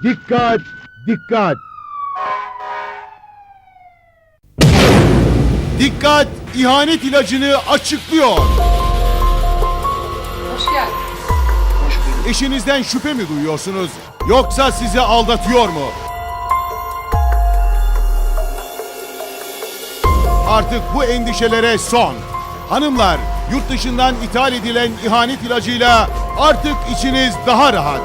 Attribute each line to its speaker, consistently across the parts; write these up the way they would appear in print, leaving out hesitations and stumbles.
Speaker 1: Dikkat! Dikkat! Dikkat! İhanet ilacını açıklıyor.
Speaker 2: Hoş geldin.
Speaker 1: Eşinizden şüphe mi duyuyorsunuz? Yoksa sizi aldatıyor mu? Artık bu endişelere son. Hanımlar, yurt dışından ithal edilen ihanet ilacıyla artık içiniz daha rahat.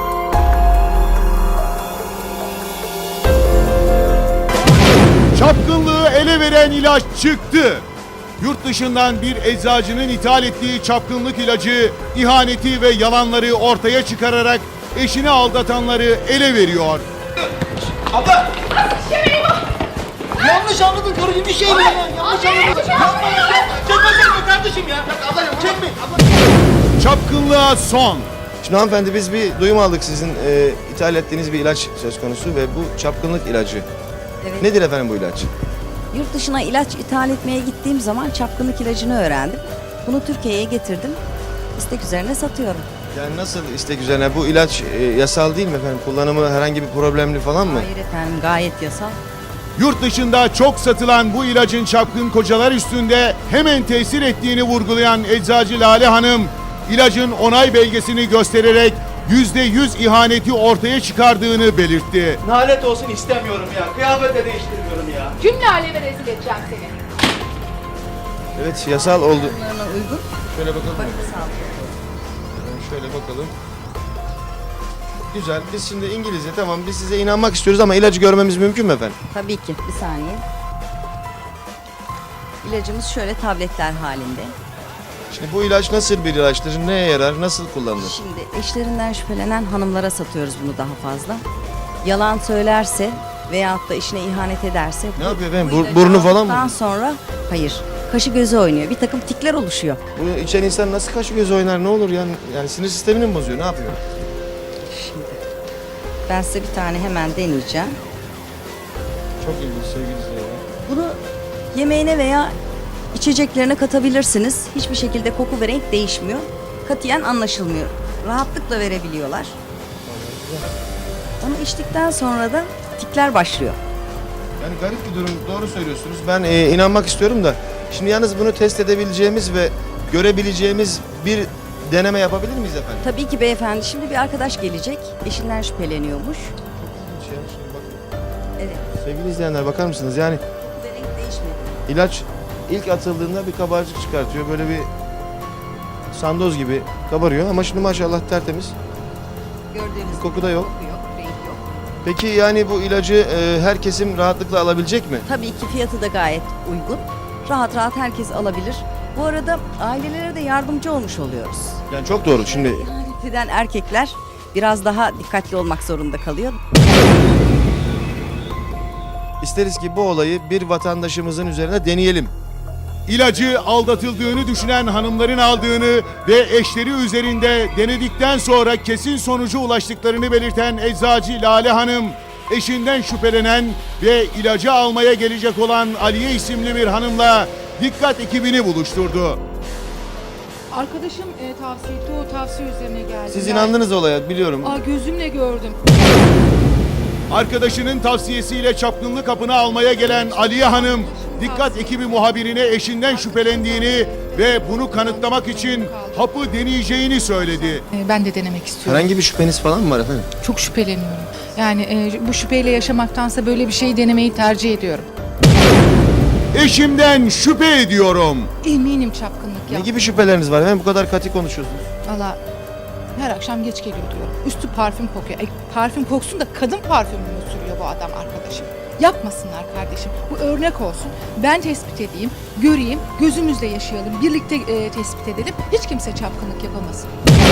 Speaker 1: Çapkınlığı ele veren ilaç çıktı. Yurt dışından bir eczacının ithal ettiği çapkınlık ilacı, ihaneti ve yalanları ortaya çıkararak eşini aldatanları ele veriyor.
Speaker 3: Abla! Yanlış anladın karıcığım, bir şey mi ya? Yanlış anladın. Yapma ya. Çekme kardeşim ya. Abla yapma. Çekme.
Speaker 1: Çapkınlığa son.
Speaker 4: Şimdi hanımefendi biz bir duyum aldık sizin ithal ettiğiniz bir ilaç söz konusu ve bu çapkınlık ilacı.
Speaker 5: Evet.
Speaker 4: Nedir efendim bu ilaç?
Speaker 5: Yurt dışına ilaç ithal etmeye gittiğim zaman çapkınlık ilacını öğrendim. Bunu Türkiye'ye getirdim. İstek üzerine satıyorum.
Speaker 4: Yani nasıl istek üzerine? Bu ilaç yasal değil mi efendim? Kullanımı herhangi bir problemli falan mı?
Speaker 5: Hayır efendim, gayet yasal.
Speaker 1: Yurt dışında çok satılan bu ilacın çapkın kocalar üstünde hemen tesir ettiğini vurgulayan eczacı Lale Hanım, ilacın onay belgesini göstererek %100 ihaneti ortaya çıkardığını belirtti.
Speaker 3: Nalet olsun istemiyorum ya. Kıyafet de değiştirmiyorum ya.
Speaker 2: Cümle aleme rezil edeceğim seni.
Speaker 4: Evet, yasal oldu.
Speaker 5: Bunlarına uygun.
Speaker 4: Şöyle bakalım.
Speaker 5: Bakın sağ olun.
Speaker 4: Şöyle bakalım. Güzel. Biz şimdi İngilizce tamam biz size inanmak istiyoruz ama ilacı görmemiz mümkün mü efendim?
Speaker 5: Tabii ki, bir saniye. İlacımız şöyle tabletler halinde.
Speaker 4: Şimdi bu ilaç nasıl bir ilaçtır? Neye yarar? Nasıl kullanılır?
Speaker 5: Şimdi eşlerinden şüphelenen hanımlara satıyoruz bunu daha fazla. Yalan söylerse veyahut da eşine ihanet ederse...
Speaker 4: Ne yapıyor efendim?
Speaker 5: bu ilacı
Speaker 4: Burnu falan mı?
Speaker 5: aldıktan sonra, hayır, kaşı gözü oynuyor. Bir takım tikler oluşuyor.
Speaker 4: Bu içen insan nasıl kaşı göz oynar ne olur yani? Yani sinir sistemini mi bozuyor? Ne yapıyor?
Speaker 5: Şimdi ben size bir tane hemen deneyeceğim.
Speaker 4: Çok ilginç sevgili izleyiciler.
Speaker 5: Bunu yemeğine veya içeceklerine katabilirsiniz. Hiçbir şekilde koku ve renk değişmiyor. Katiyen anlaşılmıyor. Rahatlıkla verebiliyorlar. Onu içtikten sonra da tikler başlıyor.
Speaker 4: Yani garip bir durum. Doğru söylüyorsunuz. Ben inanmak istiyorum da. Şimdi yalnız bunu test edebileceğimiz ve görebileceğimiz bir deneme yapabilir miyiz efendim?
Speaker 5: Tabii ki beyefendi. Şimdi bir arkadaş gelecek. Eşinden şüpheleniyormuş. Evet.
Speaker 4: Sevgili izleyenler bakar mısınız? Yani
Speaker 5: Koku ve renk değişmedi.
Speaker 4: ilaç ilk atıldığında bir kabarcık çıkartıyor. Böyle bir sandoz gibi kabarıyor ama şimdi maşallah tertemiz.
Speaker 5: Gördüğünüz
Speaker 4: Koku
Speaker 5: gibi
Speaker 4: da yok.
Speaker 5: koku yok, renk yok.
Speaker 4: Peki yani bu ilacı her kesim rahatlıkla alabilecek mi?
Speaker 5: Tabii ki fiyatı da gayet uygun. Rahat rahat herkes alabilir. Bu arada ailelere de yardımcı olmuş oluyoruz.
Speaker 4: Yani çok doğru. Şimdi
Speaker 5: İhanet eden erkekler biraz daha dikkatli olmak zorunda kalıyor.
Speaker 4: isteriz ki bu olayı bir vatandaşımızın üzerine deneyelim.
Speaker 1: İlacı aldatıldığını düşünen hanımların aldığını ve eşleri üzerinde denedikten sonra kesin sonuca ulaştıklarını belirten eczacı Lale Hanım, eşinden şüphelenen ve ilacı almaya gelecek olan Aliye isimli bir hanımla dikkat ekibini buluşturdu.
Speaker 2: Arkadaşım tavsiye etti, o tavsiye üzerine geldi.
Speaker 4: Siz inandınız olaya biliyorum.
Speaker 2: Gözümle gördüm.
Speaker 1: Arkadaşının tavsiyesiyle çapkınlık hapını almaya gelen Aliye Hanım, dikkat ekibi muhabirine eşinden şüphelendiğini ve bunu kanıtlamak için hapı deneyeceğini söyledi.
Speaker 2: Ben de denemek istiyorum.
Speaker 4: Herhangi bir şüpheniz falan mı var efendim?
Speaker 2: Çok şüpheleniyorum. Yani bu şüpheyle yaşamaktansa böyle bir şeyi denemeyi tercih ediyorum.
Speaker 1: Eşimden şüphe ediyorum.
Speaker 2: Eminim çapkınlık
Speaker 4: Ne
Speaker 2: ya.
Speaker 4: gibi şüpheleriniz var efendim? Bu kadar katı konuşuyorsunuz.
Speaker 2: Valla her akşam geç geliyor diyorum. Üstü parfüm kokuyor. Parfüm koksun da kadın parfümünü sürüyor bu adam arkadaşım. Yapmasınlar kardeşim. Bu örnek olsun. Ben tespit edeyim, göreyim, gözümüzle yaşayalım, birlikte tespit edelim. Hiç kimse çapkınlık yapamasın.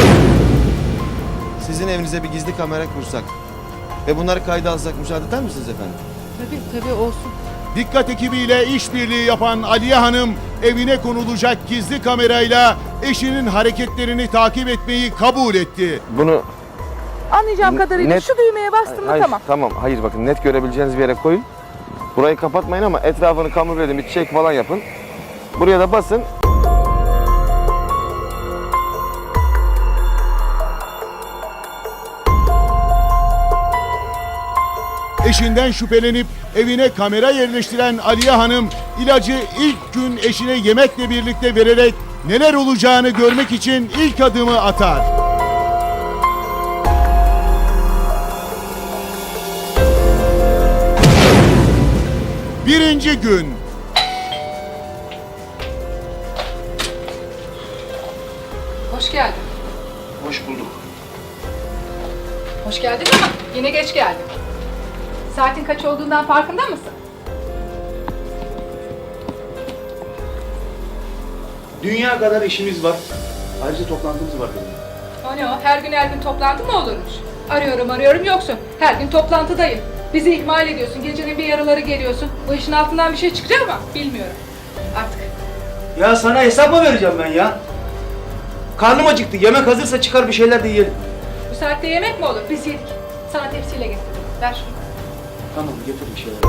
Speaker 4: Sizin evinize bir gizli kamera kursak ve bunları kayda alsak müsaade eder misiniz efendim?
Speaker 2: Tabii olsun.
Speaker 1: Dikkat ekibiyle işbirliği yapan Aliye Hanım, evine konulacak gizli kamerayla eşinin hareketlerini takip etmeyi kabul etti.
Speaker 4: Bunu
Speaker 2: Anlayacağım kadarıyla
Speaker 4: net-
Speaker 2: şu düğmeye bastım mı tamam.
Speaker 4: Hayır bakın net görebileceğiniz bir yere koyun. Burayı kapatmayın ama etrafını kamufle bir çek falan yapın. Buraya da basın.
Speaker 1: Eşinden şüphelenip evine kamera yerleştiren Aliye Hanım ilacı ilk gün eşine yemekle birlikte vererek neler olacağını görmek için ilk adımı atar. Birinci gün.
Speaker 2: Hoş geldin.
Speaker 3: Hoş bulduk.
Speaker 2: Hoş geldin ama yine geç geldin. Saatin kaç olduğundan farkında mısın?
Speaker 3: Dünya kadar işimiz var. Ayrıca toplantımız var benim.
Speaker 2: O ne o? Her gün toplantı mı olurmuş? Arıyorum yoksun. Her gün toplantıdayım. Bizi ihmal ediyorsun. Gecenin bir yarıları geliyorsun. Bu işin altından bir şey çıkacak ama bilmiyorum. Artık.
Speaker 3: Ya sana hesap mı vereceğim ben ya? Karnım acıktı. Yemek hazırsa çıkar bir şeyler de yiyelim.
Speaker 2: Bu saatte yemek mi olur? Biz yedik. Sana tepsiyle getirdim. Ver şunu.
Speaker 3: Tamam getir bir şeyler.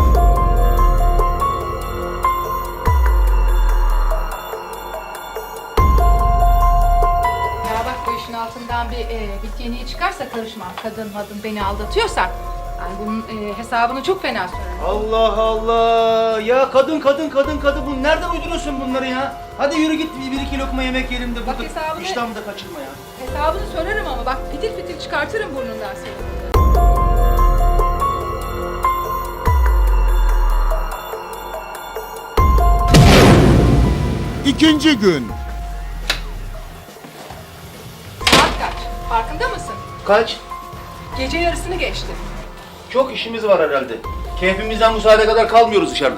Speaker 2: Ya bak bu işin altından bir bit yeniği çıkarsa karışmam. Kadın beni aldatıyorsa yani bunun hesabını çok fena sorarım.
Speaker 3: Allah Allah. Ya kadın. Bu nereden uyduruyorsun bunları ya? Hadi yürü git bir iki lokma yemek yiyelim de
Speaker 2: Bak
Speaker 3: burada
Speaker 2: hesabını-
Speaker 3: iştahımı da kaçırma ya.
Speaker 2: Hesabını sorarım ama bak fitil fitil çıkartırım burnundan seni.
Speaker 1: İkinci gün.
Speaker 2: Saat kaç? Farkında mısın?
Speaker 3: Kaç?
Speaker 2: Gece yarısını geçti.
Speaker 3: Çok işimiz var herhalde. Keyfimizden bu saate kadar kalmıyoruz dışarıda.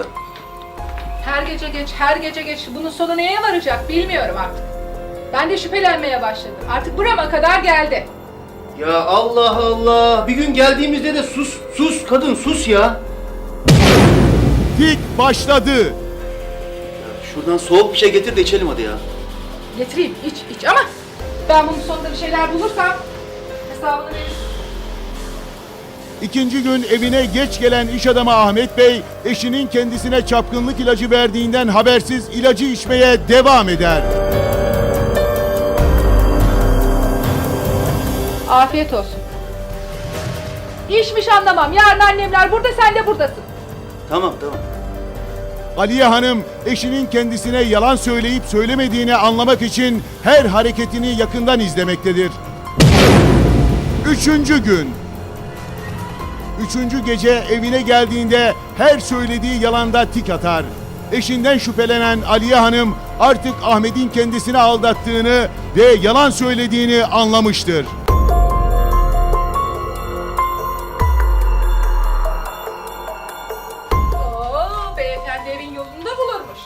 Speaker 2: Her gece geç. Bunun sonu neye varacak bilmiyorum artık. Ben de şüphelenmeye başladım. Artık burama kadar geldi.
Speaker 3: Ya Allah Allah. Bir gün geldiğimizde de sus kadın sus ya.
Speaker 1: Tik başladı.
Speaker 3: Şuradan soğuk bir şey getir de içelim hadi ya.
Speaker 2: Getireyim iç ama ben bunun sonunda bir şeyler bulursam hesabını veririm.
Speaker 1: İkinci gün evine geç gelen iş adamı Ahmet Bey, eşinin kendisine çapkınlık ilacı verdiğinden habersiz ilacı içmeye devam eder.
Speaker 2: Afiyet olsun. İşmiş anlamam. Yarın annemler burada, sen de buradasın.
Speaker 3: Tamam.
Speaker 1: Aliye Hanım, eşinin kendisine yalan söyleyip söylemediğini anlamak için her hareketini yakından izlemektedir. Üçüncü gün. Üçüncü gece evine geldiğinde her söylediği yalanda tik atar. Eşinden şüphelenen Aliye Hanım artık Ahmet'in kendisini aldattığını ve yalan söylediğini anlamıştır.
Speaker 2: Oo, beyefendi evin yolunda bulurmuş.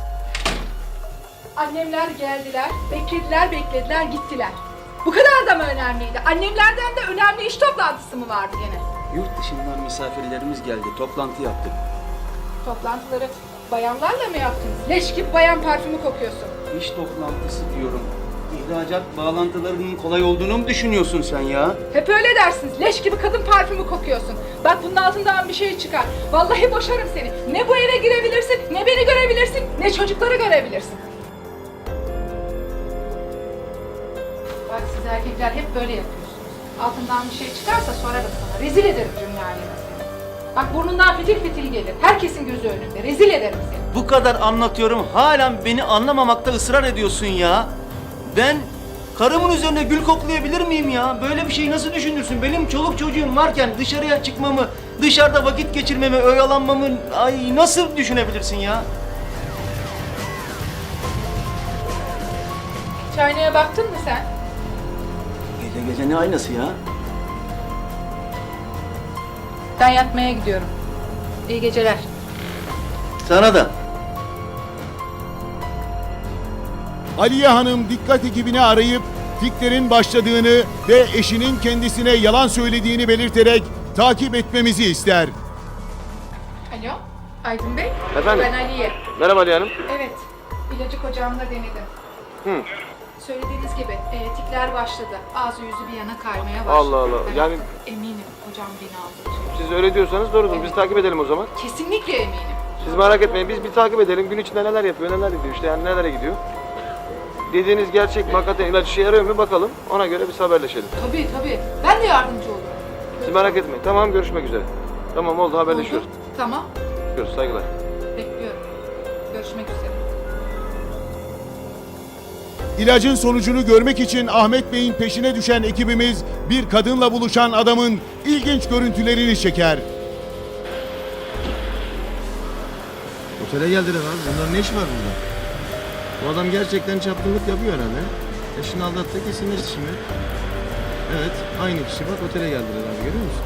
Speaker 2: Annemler geldiler, beklediler, gittiler. Bu kadar da mı önemliydi? Annemlerden de önemli iş toplantısı mı vardı gene?
Speaker 3: Yurt dışından misafirlerimiz geldi. Toplantı yaptık.
Speaker 2: Toplantıları bayanlarla mı yaptınız? Leş gibi bayan parfümü kokuyorsun.
Speaker 3: İş toplantısı diyorum. İhracat bağlantılarının kolay olduğunu mu düşünüyorsun sen ya?
Speaker 2: Hep öyle dersiniz. Leş gibi kadın parfümü kokuyorsun. Bak bunun altından bir şey çıkar. Vallahi boşarım seni. Ne bu eve girebilirsin, ne beni görebilirsin, ne çocukları görebilirsin. Bak siz erkekler hep böyle yapıyorsunuz. Altından bir şey çıkarsa sorarım sana. Rezil ederim cümle aleme seni. Bak burnundan fitil fitil gelir. Herkesin gözü önünde. Rezil ederim seni.
Speaker 3: Bu kadar anlatıyorum. Halen beni anlamamakta ısrar ediyorsun ya. Ben karımın üzerine gül koklayabilir miyim ya? Böyle bir şeyi nasıl düşünürsün? Benim çoluk çocuğum varken dışarıya çıkmamı, dışarıda vakit geçirmemi, oyalanmamı ay nasıl düşünebilirsin ya?
Speaker 2: Hiç aynaya baktın mı sen?
Speaker 3: Gece gece ne aynası ya?
Speaker 2: Ben yatmaya gidiyorum. İyi geceler.
Speaker 3: Sana da.
Speaker 1: Aliye Hanım dikkat ekibini arayıp tiklerin başladığını ve eşinin kendisine yalan söylediğini belirterek takip etmemizi ister.
Speaker 2: Alo, Aydın Bey.
Speaker 4: Efendim?
Speaker 2: Ben Aliye.
Speaker 4: Merhaba Aliye Hanım.
Speaker 2: Evet, ilacı kocamla denedim.
Speaker 4: Hı.
Speaker 2: Söylediğiniz gibi tikler başladı. Ağzı yüzü bir yana kaymaya başladı.
Speaker 4: Allah Allah,
Speaker 2: Ben
Speaker 4: yani-
Speaker 2: eminim kocam beni aldatıyor.
Speaker 4: Siz öyle diyorsanız doğrudur. Biz takip edelim o zaman.
Speaker 2: Kesinlikle eminim.
Speaker 4: Siz merak etmeyin. Biz bir takip edelim. Gün içinde neler yapıyor, neler gidiyor işte yani nelere gidiyor. Dediğiniz gerçek mi? Hakikaten ilaç işe yarıyor mu? Bakalım. Ona göre biz haberleşelim.
Speaker 2: Tabii. Ben de yardımcı olurum.
Speaker 4: Siz merak etmeyin. Tamam görüşmek üzere. Tamam oldu, haberleşiyoruz.
Speaker 2: Tamam.
Speaker 4: Saygılar.
Speaker 2: Bekliyorum. Görüşmek üzere.
Speaker 1: İlacın sonucunu görmek için Ahmet Bey'in peşine düşen ekibimiz bir kadınla buluşan adamın ilginç görüntülerini çeker.
Speaker 4: Otele geldiler abi. Bunların ne işi var burada? Bu adam gerçekten çapkınlık yapıyor herhalde. Eşini aldattı, kesinleşti şimdi. Evet, aynı kişi. Bak otele geldiler abi, görüyor musun?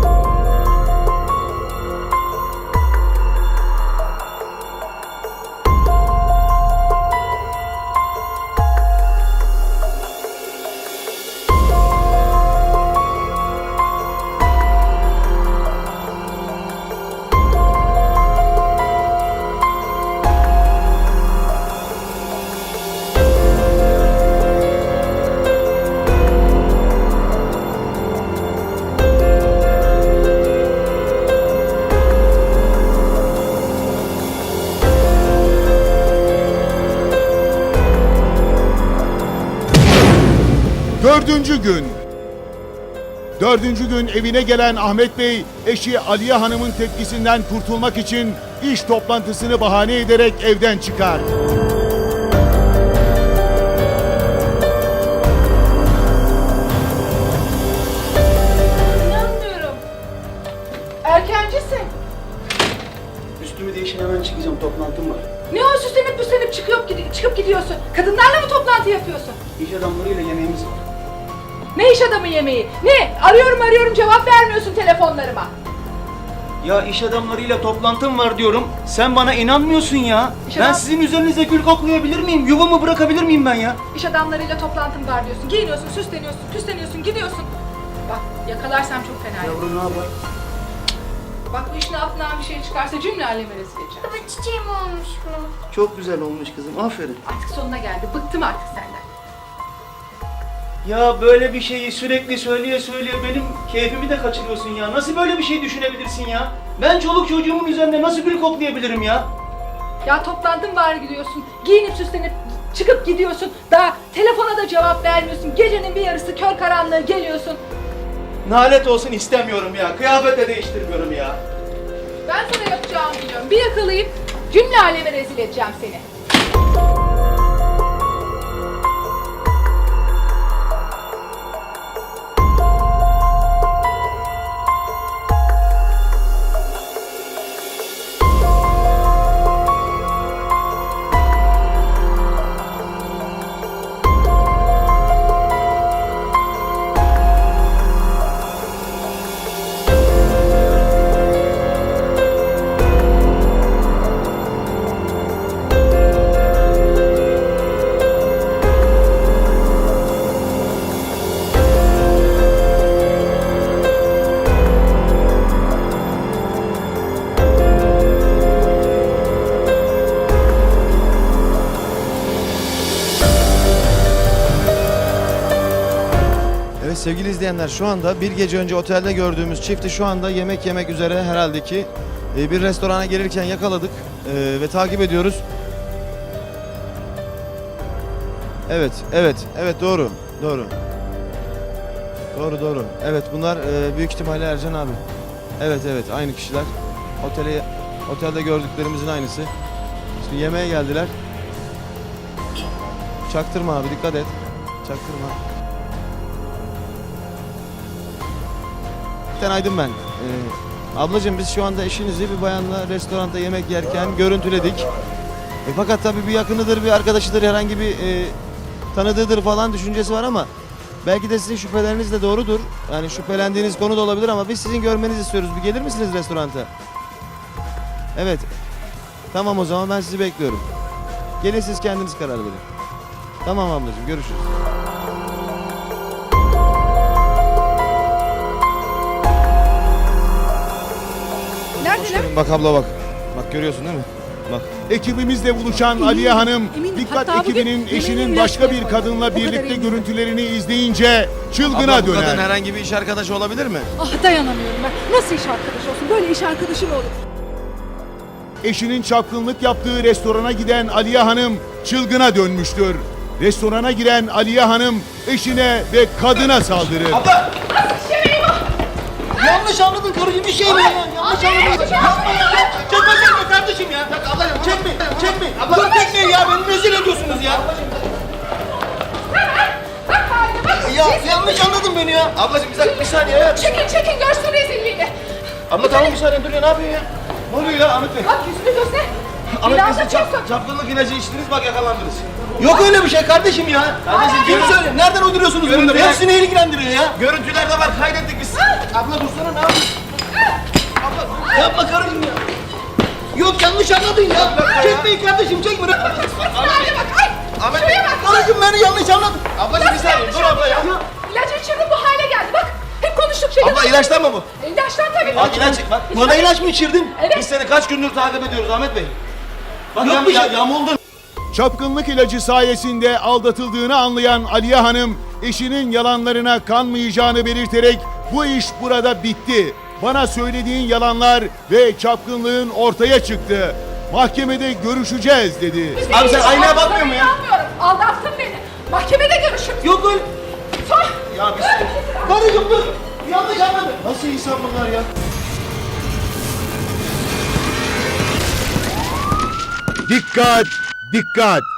Speaker 1: Dördüncü gün evine gelen Ahmet Bey, eşi Aliye Hanım'ın tepkisinden kurtulmak için iş toplantısını bahane ederek evden çıkar.
Speaker 2: İnanmıyorum. Erkencisin.
Speaker 3: Üstümü değişin, hemen çıkacağım, toplantım var.
Speaker 2: Ne o süslenip çıkıp gidiyorsun? Kadınlarla mı toplantı yapıyorsun?
Speaker 3: İş adamlarıyla yemeğimiz var.
Speaker 2: Ne iş adamı yemeği? Ne? Arıyorum cevap vermiyorsun telefonlarıma.
Speaker 3: Ya iş adamlarıyla toplantım var diyorum. Sen bana inanmıyorsun ya.
Speaker 2: İş
Speaker 3: Ben
Speaker 2: adam-
Speaker 3: sizin üzerinize gül koklayabilir miyim? Yuvamı bırakabilir miyim ben ya?
Speaker 2: İş adamlarıyla toplantım var diyorsun. Giyiniyorsun, süsleniyorsun, püsleniyorsun, gidiyorsun. Bak yakalarsam çok fena.
Speaker 3: Yavrum ne yapar?
Speaker 2: Bak bu işin altından bir şey çıkarsa cümle aleme rezil edeceğim.
Speaker 6: Baba çiçeğim olmuş mu?
Speaker 3: Çok güzel olmuş kızım, aferin.
Speaker 2: Artık sonuna geldi. Bıktım artık senden.
Speaker 3: Ya böyle bir şeyi sürekli söyleye benim keyfimi de kaçırıyorsun ya. Nasıl böyle bir şey düşünebilirsin ya? Ben çoluk çocuğumun üzerinde nasıl gül koklayabilirim ya?
Speaker 2: Ya toplantım var gidiyorsun. Giyinip süslenip çıkıp gidiyorsun. Daha telefona da cevap vermiyorsun. Gecenin bir yarısı kör karanlığı geliyorsun.
Speaker 3: Nalet olsun, istemiyorum ya. Kıyafet de değiştirmiyorum ya.
Speaker 2: Ben sana yapacağımı biliyorum. Bir yakalayıp cümle aleme rezil edeceğim seni.
Speaker 4: Evet sevgili izleyenler, şu anda bir gece önce otelde gördüğümüz çifti şu anda yemek yemek üzere herhalde ki bir restorana gelirken yakaladık ve takip ediyoruz. Evet doğru. Evet bunlar büyük ihtimalle Ercan abi. Evet aynı kişiler. Otelde gördüklerimizin aynısı. Şimdi yemeğe geldiler. Çaktırma abi, dikkat et. Çaktırma. Aydın ben. Ablacığım biz şu anda eşinizi bir bayanla restoranda yemek yerken görüntüledik. Fakat tabii bir yakınıdır, bir arkadaşıdır, herhangi bir tanıdığıdır falan düşüncesi var ama belki de sizin şüpheleriniz de doğrudur. Yani şüphelendiğiniz konu da olabilir ama biz sizin görmenizi istiyoruz. Bir gelir misiniz restoranta? Evet. Tamam o zaman ben sizi bekliyorum. Gelin siz kendiniz karar verin. Tamam ablacığım, görüşürüz.
Speaker 2: Neredeler?
Speaker 4: Bak abla bak. Bak görüyorsun değil mi? Bak.
Speaker 1: Ekibimizle buluşan Aliye Hanım,
Speaker 2: eminim.
Speaker 1: dikkat
Speaker 2: Hatta bugün
Speaker 1: ekibinin eşinin
Speaker 2: yemeğini
Speaker 1: başka bir
Speaker 2: yapıyor.
Speaker 1: kadınla
Speaker 2: O kadar
Speaker 1: birlikte
Speaker 2: eminim.
Speaker 1: görüntülerini izleyince çılgına
Speaker 4: Abla bu kadın
Speaker 1: döner.
Speaker 4: herhangi bir iş arkadaşı olabilir mi?
Speaker 2: Ah dayanamıyorum ben. Nasıl iş arkadaşı olsun? Böyle iş arkadaşı mı olur?
Speaker 1: Eşinin çapkınlık yaptığı restorana giden Aliye Hanım çılgına dönmüştür. Restorana giren Aliye Hanım eşine ve kadına saldırır.
Speaker 3: Abla!
Speaker 2: Nasıl iş yemeği bu?
Speaker 3: Yanlış anladın karıcığım, bir şey mi ya? Yanlış anladın. Yapma ya. Çekme kardeşim ya. Ablacığım çekme. Dur çekmeyin ya, beni rezil ediyorsunuz ya. Ya yanlış anladın beni ya. Ablacığım bir saniye ya.
Speaker 2: Çekin görsün rezilliğini.
Speaker 3: Abla tamam bir saniye dur ya, ne yapıyorsun ya? Ne oluyor ya Ahmet Bey?
Speaker 2: Bak yüzünü göster.
Speaker 3: Ahmet
Speaker 2: Biraz
Speaker 3: Bey
Speaker 2: da
Speaker 3: siz
Speaker 2: çek.
Speaker 3: çapkınlık ilacı içtiniz, bak yakalandınız. Yok öyle bir şey kardeşim ya. Kardeşim kim söyle? Nereden uyduruyorsunuz bunları? Hepsini ilgilendiriyor ya. Görüntülerde var, kaydettik biz. Abla dursana, ne yapıyorsun? Abla yapma karıcığım ya. Yok yanlış anladın ya. Çekmeyin kardeşim, çekme. Ahmet Bey, karıcığım beni yanlış anladın. Ablacığım bir saniye, dur abla ya.
Speaker 2: İlacı içirdim bu hale geldi bak. Hep konuştuk şey.
Speaker 3: Abla ilaçtan mı bu?
Speaker 2: İlaçtan tabii.
Speaker 3: Bak ilaç, bak. Bana ilaç mı içirdin?
Speaker 2: Evet.
Speaker 3: Biz seni kaç gündür takip ediyoruz Ahmet Bey. Bak
Speaker 4: Yok bir şey.
Speaker 3: yamuldun.
Speaker 1: Çapkınlık ilacı sayesinde aldatıldığını anlayan Aliye Hanım, eşinin yalanlarına kanmayacağını belirterek bu iş burada bitti. Bana söylediğin yalanlar ve çapkınlığın ortaya çıktı. Mahkemede görüşeceğiz dedi.
Speaker 3: Abi sen aynaya bakmıyor mu ya?
Speaker 2: İnanmıyorum. Aldattın beni. Mahkemede görüşürüz.
Speaker 3: Yok öyle.
Speaker 2: Sor.
Speaker 3: Ya biz... Karıcığım dur. Yanlış anladın. Nasıl insan bunlar ya?
Speaker 1: Dikkat! Dikkat!